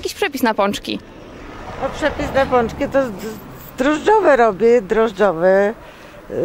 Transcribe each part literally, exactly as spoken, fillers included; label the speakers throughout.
Speaker 1: jakiś przepis na pączki?
Speaker 2: No, przepis na pączki to drożdżowe robię, drożdżowe, yy,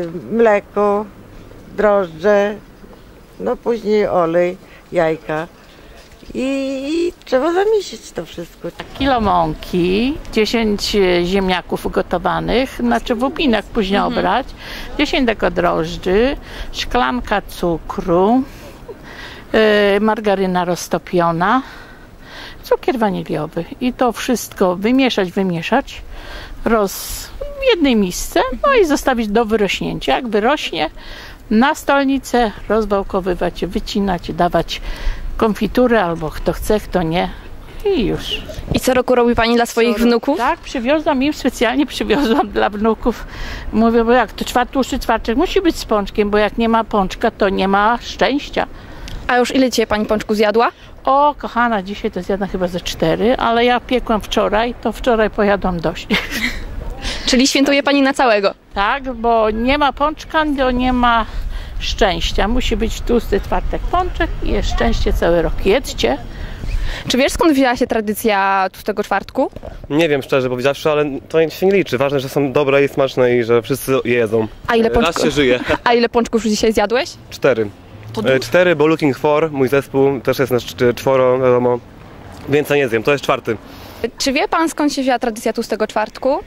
Speaker 2: mleko, drożdże, no później olej, jajka i, i trzeba zamieścić to wszystko.
Speaker 3: Kilo mąki, dziesięć ziemniaków ugotowanych, znaczy w łupinach później mhm. obrać, dziesięć deko drożdży, szklanka cukru, yy, margaryna roztopiona, cukier waniliowy i to wszystko wymieszać, wymieszać roz, w jednej misce, no i zostawić do wyrośnięcia. Jak wyrośnie, na stolnicę rozwałkowywać, wycinać, dawać konfiturę albo kto chce, kto nie i już.
Speaker 1: I co roku robi Pani dla swoich wnuków?
Speaker 3: Tak, przywiozłam im, specjalnie przywiozłam dla wnuków. Mówię, bo jak to czwart, tłuszczy czwartek musi być z pączkiem, bo jak nie ma pączka, to nie ma szczęścia.
Speaker 1: A już ile dzisiaj Pani pączku zjadła?
Speaker 3: O, kochana, dzisiaj to zjadłam chyba ze cztery, ale ja piekłam wczoraj, to wczoraj pojadłam dość.
Speaker 1: Czyli świętuje Pani na całego?
Speaker 3: Tak, bo nie ma pączka, to nie ma szczęścia. Musi być tłusty czwartek pączek i jest szczęście cały rok. Jedzcie.
Speaker 1: Czy wiesz, skąd wzięła się tradycja tłustego czwartku?
Speaker 4: Nie wiem, szczerze powiedziawszy, ale to się nie liczy. Ważne, że są dobre i smaczne i że wszyscy je jedzą.
Speaker 1: A ile pączków?
Speaker 4: Raz się żyje.
Speaker 1: A ile pączków już dzisiaj zjadłeś?
Speaker 4: Cztery. Cztery, bo Looking For, mój zespół, też jest nas czworo, wiadomo. Więcej nie zjem, to jest czwarty.
Speaker 1: Czy wie Pan, skąd się wzięła tradycja tłustego czwartku?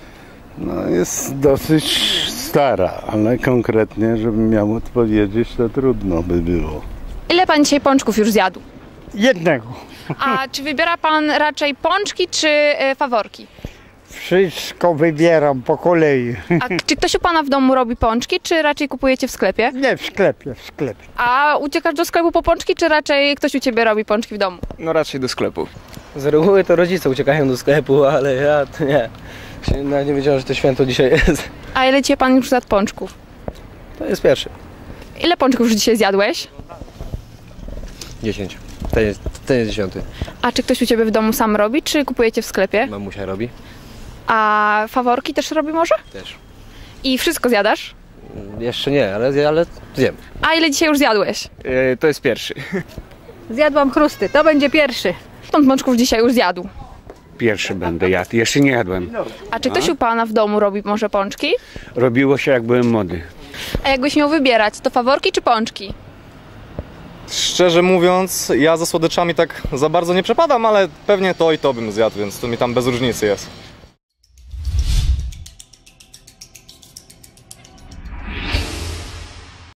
Speaker 5: No jest dosyć stara, ale konkretnie, żebym miał odpowiedzieć, to trudno by było.
Speaker 1: Ile Pan dzisiaj pączków już zjadł?
Speaker 5: Jednego.
Speaker 1: A czy wybiera Pan raczej pączki czy y, faworki?
Speaker 5: Wszystko wybieram po kolei.
Speaker 1: A czy ktoś u Pana w domu robi pączki, czy raczej kupujecie w sklepie?
Speaker 5: Nie, w sklepie, w sklepie.
Speaker 1: A uciekasz do sklepu po pączki, czy raczej ktoś u Ciebie robi pączki w domu?
Speaker 6: No raczej do sklepu. Z reguły to rodzice uciekają do sklepu, ale ja to nie. Nawet nie wiedziałem, że to święto dzisiaj jest.
Speaker 1: A ile Cię Pan już zjadł pączków?
Speaker 6: To jest pierwszy.
Speaker 1: Ile pączków już dzisiaj zjadłeś?
Speaker 6: Dziesięć. Ten jest, ten jest dziesiąty.
Speaker 1: A czy ktoś u Ciebie w domu sam robi, czy kupujecie w sklepie?
Speaker 6: Mamusia robi.
Speaker 1: A faworki też robi może?
Speaker 6: Też.
Speaker 1: I wszystko zjadasz?
Speaker 6: Jeszcze nie, ale, ale zjem.
Speaker 1: A ile dzisiaj już zjadłeś?
Speaker 6: Yy, to jest pierwszy.
Speaker 3: Zjadłam chrusty, to będzie pierwszy.
Speaker 1: Stąd pączków dzisiaj już zjadł?
Speaker 7: Pierwszy będę jadł, jeszcze nie jadłem.
Speaker 1: A czy ktoś u Pana w domu robi może pączki?
Speaker 7: Robiło się jak byłem młody.
Speaker 1: A jakbyś miał wybierać, to faworki czy pączki?
Speaker 8: Szczerze mówiąc, ja za słodyczami tak za bardzo nie przepadam, ale pewnie to i to bym zjadł, więc to mi tam bez różnicy jest.